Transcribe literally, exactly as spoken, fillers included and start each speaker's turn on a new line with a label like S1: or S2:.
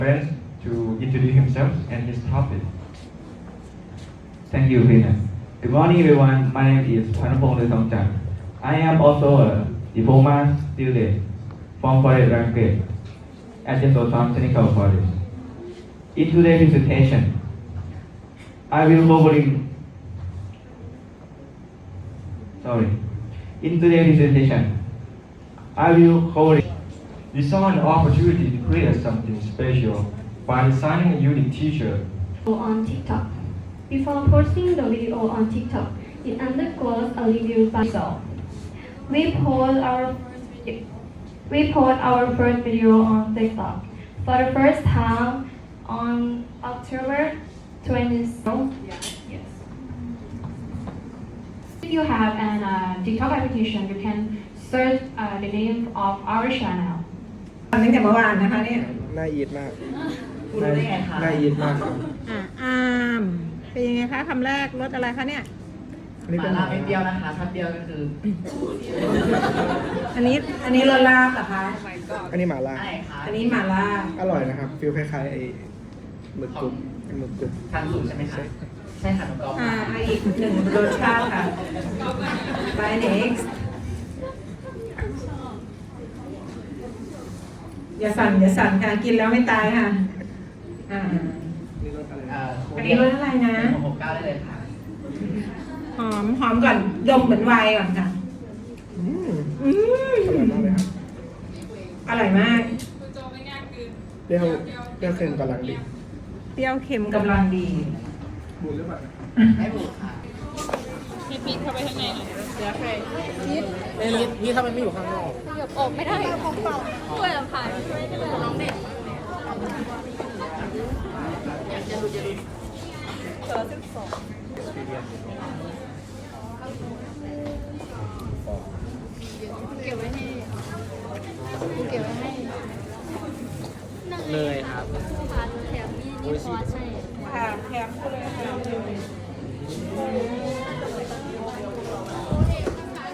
S1: friends to introduce himself and his topic.
S2: Thank you, Peter. Good morning, everyone. My name is Panapong Lusongchan. I am also a diploma student from Foreign Language at the Sosan Technical College. In today's presentation, I will covering. Sorry. In today's presentation, I will cover.
S1: We saw an opportunity to create something special by designing a unique t-shirt.
S3: On TikTok. Before posting the video on TikTok, it undergoes a review by so. We post our we post our first video on TikTok for the first time on October twentieth.
S4: Yes. If you have an uh, TikTok application, you can search uh, the name of our channel.
S5: ตั้งแต่เมื่อวานนะคะเนี่ย
S6: น่าอีดมาก
S5: คุณรู้ได้ไงคะ
S6: น่าอีดมากครับ
S5: อ่าอามเป็นยังไงคะคำแรกรสอะไรคะเนี่ย
S6: อันนี้
S7: ห
S6: เป็
S7: มาน ล่าไม่เปรี้ยวนะคะ ถ้าเปรี้ยวก็คือ
S5: อันนี้อันนี้รสลาบเหรอคะ
S6: อันนี้หมาล่า
S7: อะไรคะ
S5: อันนี้หม่าล่า
S6: อร่อยนะครับฟิลคล้ายๆไอ้หมึกกรุบหมึกกรุบ
S7: ทานสูตรใช่ไหมคะ ใช่ค่ะน้องกอล์ฟ
S5: อ่าเอาอีกหนึ่งรสชาติค่ะ by next อย่าสั่นอย่าสั่นค่ะกินแล้วไม่ตายค่ะอ่า
S6: นี่รสอะไร
S7: เอ่อ
S5: อันนี้รสอะไรนะ
S7: หกเก้าได้เลยค่ะ
S5: หอมหอมก่อนดมเหมือนไวน์ก่อนค่ะ
S6: อืม
S5: อืม
S6: อร่อยมากเลยครับ
S5: อร่อยมาก
S6: เปรี้ยวเปรี้ยวเค็มกำลังดี
S5: เปรี้ยวเค็มกำลังดี
S6: บูดหรือเปล่า
S7: ให้บูดค่ะ
S6: นี่ถ้ามันไม่อยู่ข้างนอก
S7: เลยครับ
S5: ค่ะแถมเลยค่ะ